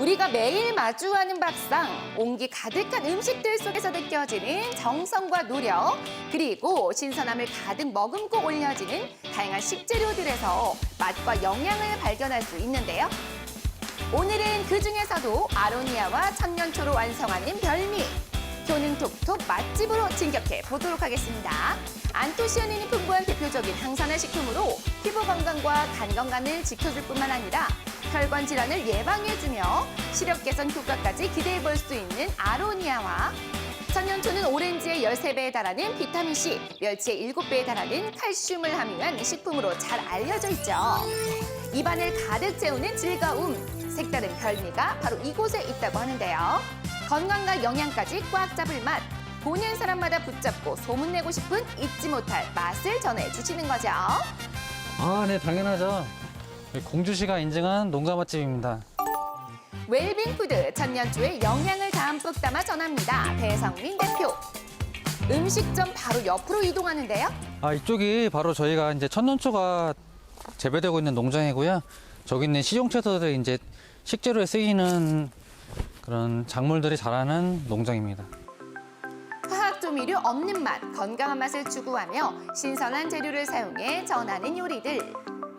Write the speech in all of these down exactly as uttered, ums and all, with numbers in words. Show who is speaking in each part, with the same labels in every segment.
Speaker 1: 우리가 매일 마주하는 밥상, 온기 가득한 음식들 속에서 느껴지는 정성과 노력, 그리고 신선함을 가득 머금고 올려지는 다양한 식재료들에서 맛과 영양을 발견할 수 있는데요. 오늘은 그중에서도 아로니아와 천년초로 완성하는 별미, 효능 톡톡 맛집으로 진격해 보도록 하겠습니다. 안토시아닌이 풍부한 대표적인 항산화 식품으로 피부 건강과 간 건강을 지켜줄 뿐만 아니라 혈관 질환을 예방해주며 시력 개선 효과까지 기대해 볼 수 있는 아로니아와 천년초는 오렌지의 열세 배에 달하는 비타민C, 멸치의 일곱 배에 달하는 칼슘을 함유한 식품으로 잘 알려져 있죠. 입안을 가득 채우는 즐거움, 색다른 별미가 바로 이곳에 있다고 하는데요. 건강과 영양까지 꽉 잡을 맛, 보는 사람마다 붙잡고 소문내고 싶은 잊지 못할 맛을 전해주시는 거죠.
Speaker 2: 아, 네, 당연하죠. 공주시가 인증한 농가 맛집입니다.
Speaker 1: 웰빙푸드 천년초의 영양을 담뿍 담아 전합니다. 배성민 대표. 음식점 바로 옆으로 이동하는데요.
Speaker 2: 아, 이쪽이 바로 저희가 이제 천년초가 재배되고 있는 농장이고요. 저기 있는 식용채소들이 이제 식재료에 쓰이는 그런 작물들이 자라는 농장입니다.
Speaker 1: 화학 조미료 없는 맛, 건강한 맛을 추구하며 신선한 재료를 사용해 전하는 요리들.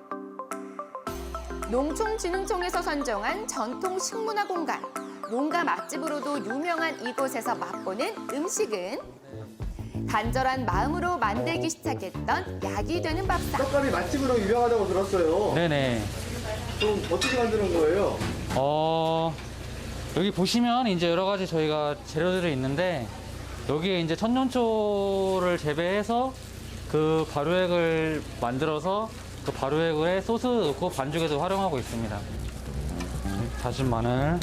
Speaker 1: 농촌진흥청에서 선정한 전통 식문화 공간, 농가 맛집으로도 유명한 이곳에서 맛보는 음식은 간절한 마음으로 만들기 시작했던 약이 되는 밥상.
Speaker 3: 떡갈비 맛집으로 유명하다고 들었어요.
Speaker 2: 네네.
Speaker 3: 좀 어떻게 만드는 거예요?
Speaker 2: 어, 여기 보시면 이제 여러 가지 저희가 재료들이 있는데 여기에 이제 천년초를 재배해서 그 발효액을 만들어서 그 발효액에 소스 넣고 반죽에도 활용하고 있습니다. 다진 마늘,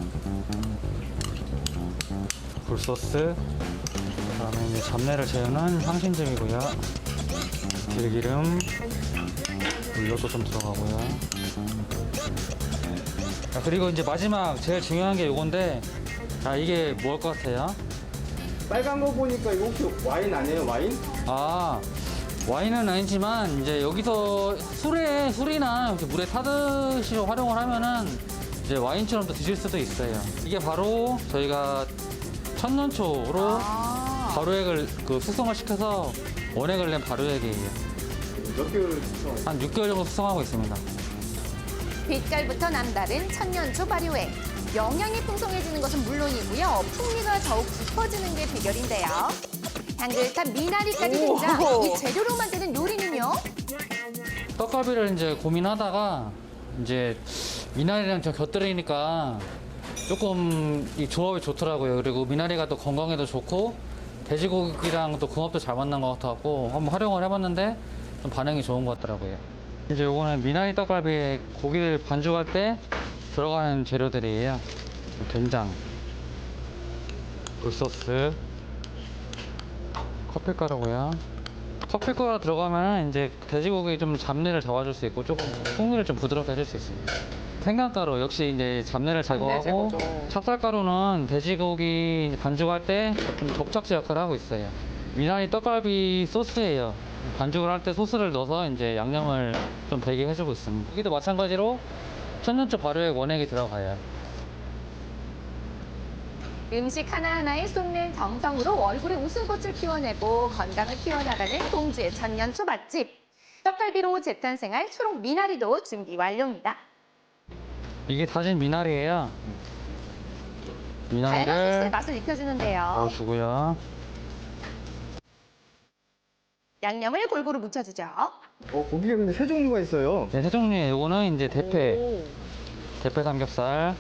Speaker 2: 굴소스, 그다음에 이제 잡내를 재우는 향신즙이고요. 들기름, 물엿도 좀 들어가고요. 자, 그리고 이제 마지막 제일 중요한 게 이건데, 자, 이게 뭘 것 같아요?
Speaker 3: 빨간 거 보니까 이거 혹시 와인 아니에요? 와인?
Speaker 2: 아, 와인은 아니지만 이제 여기서 술에 술이나 이렇게 물에 타듯이 활용을 하면은 이제 와인처럼도 드실 수도 있어요. 이게 바로 저희가 천년초로
Speaker 1: 아.
Speaker 2: 발효액을 그 숙성을 시켜서 원액을 낸 발효액이에요.
Speaker 3: 몇 개월 숙성?
Speaker 2: 한 육 개월 정도 숙성하고 있습니다.
Speaker 1: 빛깔부터 남다른 천년초 발효액. 영양이 풍성해지는 것은 물론이고요. 풍미가 더욱 깊어지는 게 비결인데요. 향긋한 미나리까지 등장. 이 재료로 만드는 요리는요?
Speaker 2: 떡갈비를 이제 고민하다가 이제 미나리랑 좀 곁들이니까 조금 이 조합이 좋더라고요. 그리고 미나리가 또 건강에도 좋고 돼지고기랑 또 궁합도 잘 맞는 것 같아갖고 한번 활용을 해봤는데 좀 반응이 좋은 것 같더라고요. 이제 요거는 미나리 떡갈비에 고기를 반죽할 때 들어가는 재료들이에요. 된장, 굴소스, 커피가루고요. 커피가루 들어가면 이제 돼지고기 좀 잡내를 잡아줄 수 있고 조금 풍미를 좀 부드럽게 해줄 수 있습니다. 생강가루 역시 이제 잡내를 제거하고, 찹쌀가루는 돼지고기 반죽할 때 좀 접착제 역할을 하고 있어요. 미나리 떡갈비 소스예요. 반죽을 할 때 소스를 넣어서 이제 양념을 좀 배게 해주고 있습니다. 여기도 마찬가지로 천년초 발효액 원액이 들어가요.
Speaker 1: 음식 하나하나에 쏟는 정성으로 얼굴에 웃음꽃을 피워내고 건강을 키워나가는 공주의 천년초 맛집. 떡갈비로 재탄생할 초록 미나리도 준비 완료입니다.
Speaker 2: 이게 다진 미나리예요.
Speaker 1: 다양한 소스의
Speaker 2: 미나리를
Speaker 1: 맛을 익혀주는데요.
Speaker 2: 넣어주고요.
Speaker 1: 양념을 골고루 묻혀주죠.
Speaker 3: 어, 고기가 근데 세 종류가 있어요.
Speaker 2: 네, 세 종류에 요거는 이제 대패,
Speaker 1: 오.
Speaker 2: 대패 삼겹살.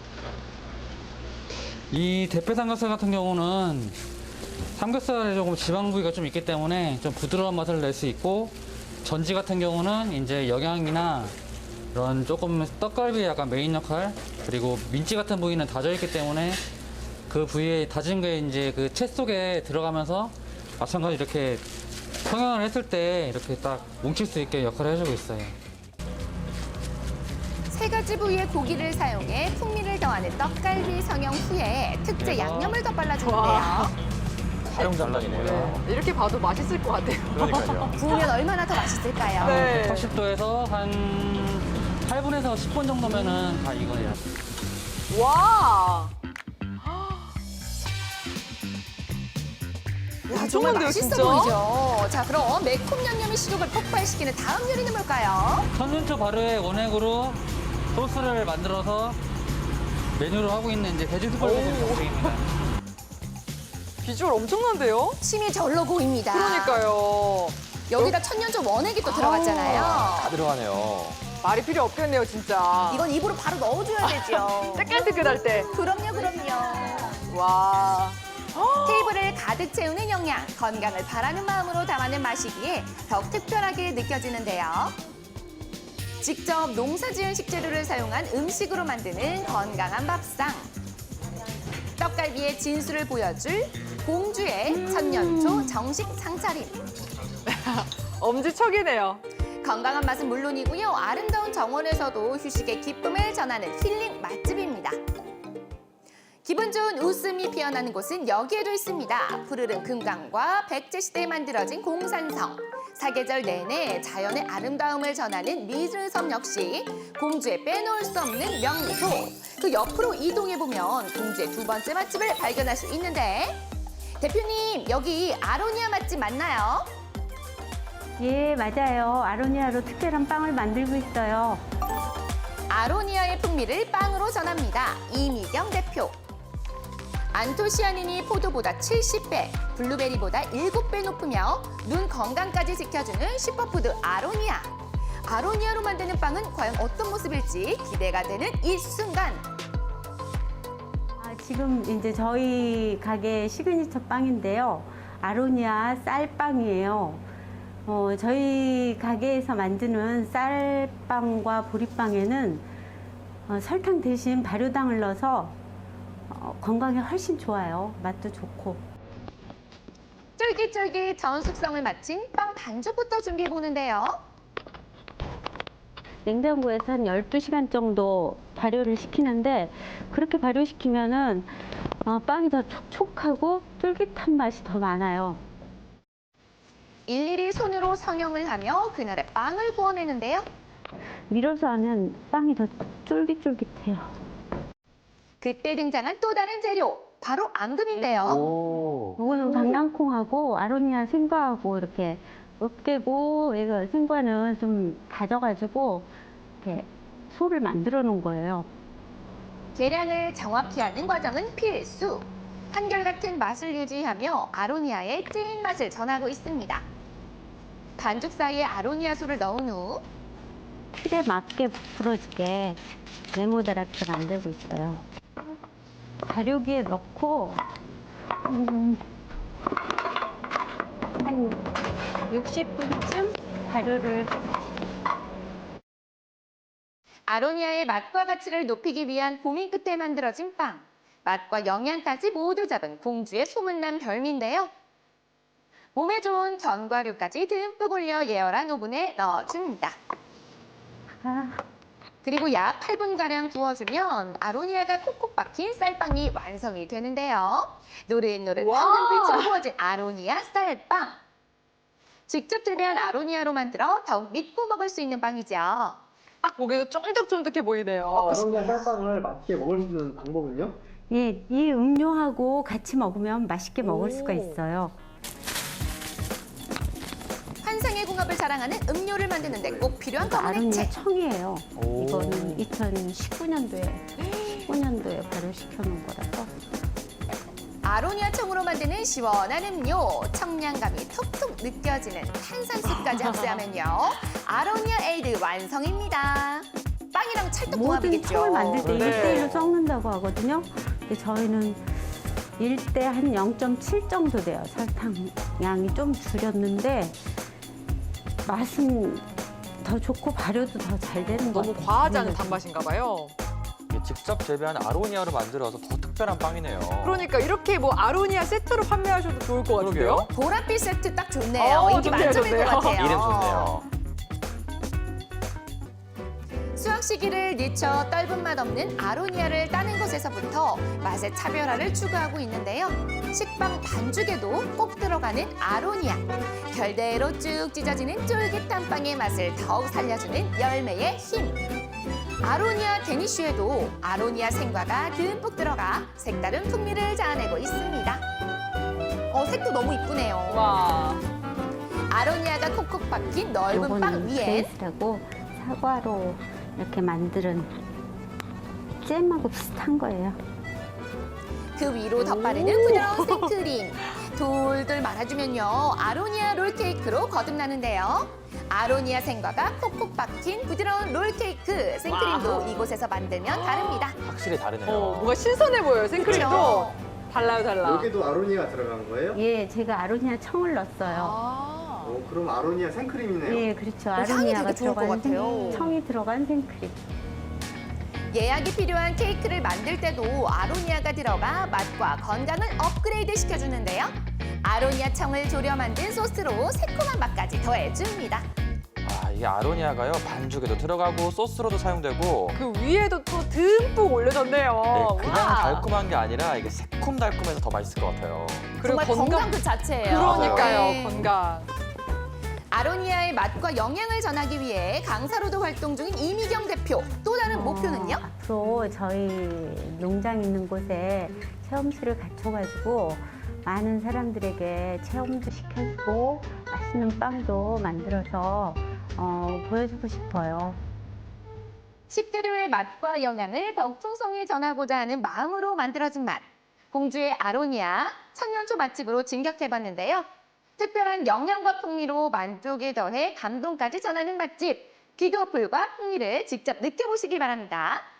Speaker 2: 이 대패 삼겹살 같은 경우는 삼겹살에 조금 지방 부위가 좀 있기 때문에 좀 부드러운 맛을 낼 수 있고, 전지 같은 경우는 이제 영양이나 이런 조금 떡갈비의 약간 메인 역할, 그리고 민지 같은 부위는 다져 있기 때문에 그 부위에 다진 게 이제 그 채 속에 들어가면서 마찬가지 이렇게 성형을 했을 때 이렇게 딱 뭉칠 수 있게 역할을 해주고 있어요.
Speaker 1: 세 가지 부위의 고기를 사용해 풍미를 더하는 떡갈비 성형 후에 특제
Speaker 2: 대박.
Speaker 1: 양념을 더
Speaker 4: 와.
Speaker 1: 발라주는데요.
Speaker 2: 촬영 장난이네요.
Speaker 4: 네, 이렇게 봐도 맛있을 것 같아요.
Speaker 3: 그러니까요.
Speaker 1: 구우면 얼마나 더 맛있을까요?
Speaker 4: 네.
Speaker 2: 백팔십 도에서 한 팔 분에서 십 분 정도면은 다 익어요.
Speaker 4: 와. 야,
Speaker 1: 정말
Speaker 4: 정말
Speaker 1: 맛있어
Speaker 4: 진짜?
Speaker 1: 보이죠? 자, 그럼 매콤 양념의 식욕을 폭발시키는 다음 요리는 뭘까요?
Speaker 2: 천눈초 발효의 원액으로 소스를 만들어서 메뉴로 하고 있는 이제 돼지 숯불볶음 정식입니다.
Speaker 4: 비주얼 엄청난데요?
Speaker 1: 침이 절로 고입니다.
Speaker 4: 그러니까요.
Speaker 1: 여기다 천년초 원액이 또 들어갔잖아요.
Speaker 5: 다 들어가네요.
Speaker 4: 말이 필요 없겠네요, 진짜.
Speaker 1: 이건 입으로 바로 넣어줘야 되죠.
Speaker 4: 뜨끈뜨끈할 때.
Speaker 1: 그럼요, 그럼요.
Speaker 4: 와.
Speaker 1: 테이블을 가득 채우는 영양, 건강을 바라는 마음으로 담아낸 맛이기에 더욱 특별하게 느껴지는데요. 직접 농사지은 식재료를 사용한 음식으로 만드는 건강한 밥상. 떡갈비의 진수를 보여줄 공주의 천년초 정식 상차림.
Speaker 4: 엄지척이네요.
Speaker 1: 건강한 맛은 물론이고요. 아름다운 정원에서도 휴식의 기쁨을 전하는 힐링 맛집입니다. 기분 좋은 웃음이 피어나는 곳은 여기에도 있습니다. 푸르른 금강과 백제 시대에 만들어진 공산성. 사계절 내내 자연의 아름다움을 전하는 미르섬 역시 공주에 빼놓을 수 없는 명소. 그 옆으로 이동해보면 공주의 두 번째 맛집을 발견할 수 있는데 대표님, 여기 아로니아 맛집 맞나요?
Speaker 6: 예, 맞아요. 아로니아로 특별한 빵을 만들고 있어요.
Speaker 1: 아로니아의 풍미를 빵으로 전합니다. 이미경 대표. 안토시아닌이 포도보다 칠십 배, 블루베리보다 일곱 배 높으며 눈 건강까지 지켜주는 슈퍼푸드 아로니아. 아로니아로 만드는 빵은 과연 어떤 모습일지 기대가 되는 이 순간.
Speaker 6: 아, 지금 이제 저희 가게 시그니처 빵인데요. 아로니아 쌀빵이에요. 어, 저희 가게에서 만드는 쌀빵과 보리빵에는 어, 설탕 대신 발효당을 넣어서 어, 건강에 훨씬 좋아요. 맛도 좋고.
Speaker 1: 쫄깃쫄깃 전 숙성을 마친 빵 반죽부터 준비해보는데요.
Speaker 6: 냉장고에서 한 열두 시간 정도 발효를 시키는데 그렇게 발효시키면은 어, 빵이 더 촉촉하고 쫄깃한 맛이 더 많아요.
Speaker 1: 일일이 손으로 성형을 하며 그날의 빵을 구워내는데요.
Speaker 6: 밀어서 하면 빵이 더 쫄깃쫄깃해요.
Speaker 1: 그때 등장한 또 다른 재료, 바로 앙금인데요.
Speaker 5: 오.
Speaker 6: 이거는 강낭콩하고 아로니아 생과하고 이렇게 으깨고, 이거 생과는 좀 다져가지고 이렇게 소를 만들어 놓은 거예요.
Speaker 1: 계량을 정확히 하는 과정은 필수. 한결같은 맛을 유지하며 아로니아의 찐 맛을 전하고 있습니다. 반죽 사이에 아로니아 소를 넣은 후
Speaker 6: 틀에 맞게 부풀어지게 네모다랗게 만들고 있어요. 발효기에 넣고 음, 한 육십 분쯤 발효를.
Speaker 1: 아로니아의 맛과 가치를 높이기 위한 고민 끝에 만들어진 빵. 맛과 영양까지 모두 잡은 공주의 소문난 별미인데요. 몸에 좋은 견과류까지 듬뿍 올려 예열한 오븐에 넣어줍니다.
Speaker 6: 아,
Speaker 1: 그리고 약 팔 분가량 구워주면 아로니아가 콕콕 박힌 쌀빵이 완성이 되는데요. 노릇노릇
Speaker 4: 와!
Speaker 1: 황금빛으로 구워진 아로니아 쌀빵. 직접 재배한 아로니아로 만들어 더욱 믿고 먹을 수 있는 빵이죠.
Speaker 4: 딱 보기에도 쫀득쫀득해 보이네요.
Speaker 3: 아로니아 쌀빵을 맛있게 먹을 수 있는 방법은요?
Speaker 6: 예, 이 음료하고 같이 먹으면 맛있게 먹을 수가 있어요.
Speaker 1: 환상의 궁합을 자랑하는 음료를 만드는데 꼭 필요한 검은
Speaker 6: 아로니아
Speaker 1: 액체.
Speaker 6: 청이에요.
Speaker 5: 오.
Speaker 6: 이거는 이천십구 년도에 십구 년도에 발효시켜 놓은 거라서.
Speaker 1: 아로니아 청으로 만드는 시원한 음료, 청량감이 톡톡 느껴지는 탄산수까지 합세하면요. 아로니아 에이드 완성입니다. 빵이랑
Speaker 6: 모든
Speaker 1: 찰떡궁합이겠죠.
Speaker 6: 청을 만들 때
Speaker 4: 네.
Speaker 6: 일 대일로 섞는다고 하거든요. 근데 저희는 일 대 한 영 점 칠 정도 돼요. 설탕 양이 좀 줄였는데 맛은 더 좋고 발효도 더 잘 되는 것
Speaker 4: 너무
Speaker 6: 같아요.
Speaker 4: 과하지 않은
Speaker 6: 그래서.
Speaker 4: 단맛인가 봐요.
Speaker 5: 직접 재배한 아로니아로 만들어서 더 특별한 빵이네요.
Speaker 4: 그러니까 이렇게 뭐 아로니아 세트로 판매하셔도 좋을 것 같은데요?
Speaker 5: 그러게요.
Speaker 1: 보랏빛 세트 딱 좋네요.
Speaker 4: 어,
Speaker 1: 인기
Speaker 4: 좋네요,
Speaker 1: 만점일
Speaker 4: 좋네요.
Speaker 1: 것 같아요.
Speaker 5: 이름 좋네요.
Speaker 1: 수확 시기를 늦춰 떫은 맛 없는 아로니아를 따는 것에서부터 맛의 차별화를 추구하고 있는데요. 식빵 반죽에도 꼭 들어가는 아로니아. 결대로 쭉 찢어지는 쫄깃한 빵의 맛을 더욱 살려주는 열매의 힘. 아로니아 데니쉬에도 아로니아 생과가 듬뿍 들어가 색다른 풍미를 자아내고 있습니다. 어, 색도 너무 이쁘네요.
Speaker 4: 와.
Speaker 1: 아로니아가 콕콕 박힌 넓은 빵
Speaker 6: 요거는
Speaker 1: 위엔
Speaker 6: 베이스하고 사과로 이렇게 만드는 잼하고 비슷한 거예요.
Speaker 1: 그 위로 덧바르는 부드러운 생크림. 돌돌 말아주면요. 아로니아 롤케이크로 거듭나는데요. 아로니아 생과가 콕콕 박힌 부드러운 롤케이크. 생크림도
Speaker 4: 와우.
Speaker 1: 이곳에서 만들면 다릅니다.
Speaker 5: 확실히 다르네요.
Speaker 4: 어, 뭔가 신선해 보여요. 생크림도.
Speaker 1: 그렇죠?
Speaker 4: 달라요, 달라.
Speaker 3: 여기도 아로니아 들어간 거예요?
Speaker 6: 예, 제가 아로니아 청을 넣었어요.
Speaker 4: 아.
Speaker 3: 어, 그럼 아로니아 생크림이네요.
Speaker 6: 예, 그렇죠.
Speaker 1: 향이
Speaker 6: 아로니아가
Speaker 1: 되게 좋을 것
Speaker 6: 들어간
Speaker 1: 같아요.
Speaker 6: 생, 청이 들어간 생크림.
Speaker 1: 예약이 필요한 케이크를 만들 때도 아로니아가 들어가 맛과 건강을 업그레이드 시켜주는데요. 아로니아 청을 졸여 만든 소스로 새콤한 맛까지 더해줍니다.
Speaker 5: 아, 이 아로니아가요 반죽에도 들어가고 소스로도 사용되고
Speaker 4: 그 위에도 또 듬뿍 올려졌네요.
Speaker 5: 네, 그냥
Speaker 4: 와.
Speaker 5: 달콤한 게 아니라 이게 새콤달콤해서 더 맛있을 것 같아요.
Speaker 4: 그리고
Speaker 1: 정말 건강,
Speaker 4: 건강.
Speaker 1: 그 자체예요.
Speaker 4: 그러니까요,
Speaker 1: 네.
Speaker 4: 건강.
Speaker 1: 아로니아의 맛과 영양을 전하기 위해 강사로도 활동 중인 이미경 대표. 또 다른 목표는요?
Speaker 6: 어, 앞으로 저희 농장 있는 곳에 체험실을 갖춰가지고 많은 사람들에게 체험도 시켜주고 맛있는 빵도 만들어서 어, 보여주고 싶어요.
Speaker 1: 식재료의 맛과 영양을 더욱 풍성히 전하고자 하는 마음으로 만들어진 맛. 공주의 아로니아 천년초 맛집으로 진격해봤는데요. 특별한 영양과 풍미로 만족에 더해 감동까지 전하는 맛집. 귀도 불과 풍미를 직접 느껴보시기 바랍니다.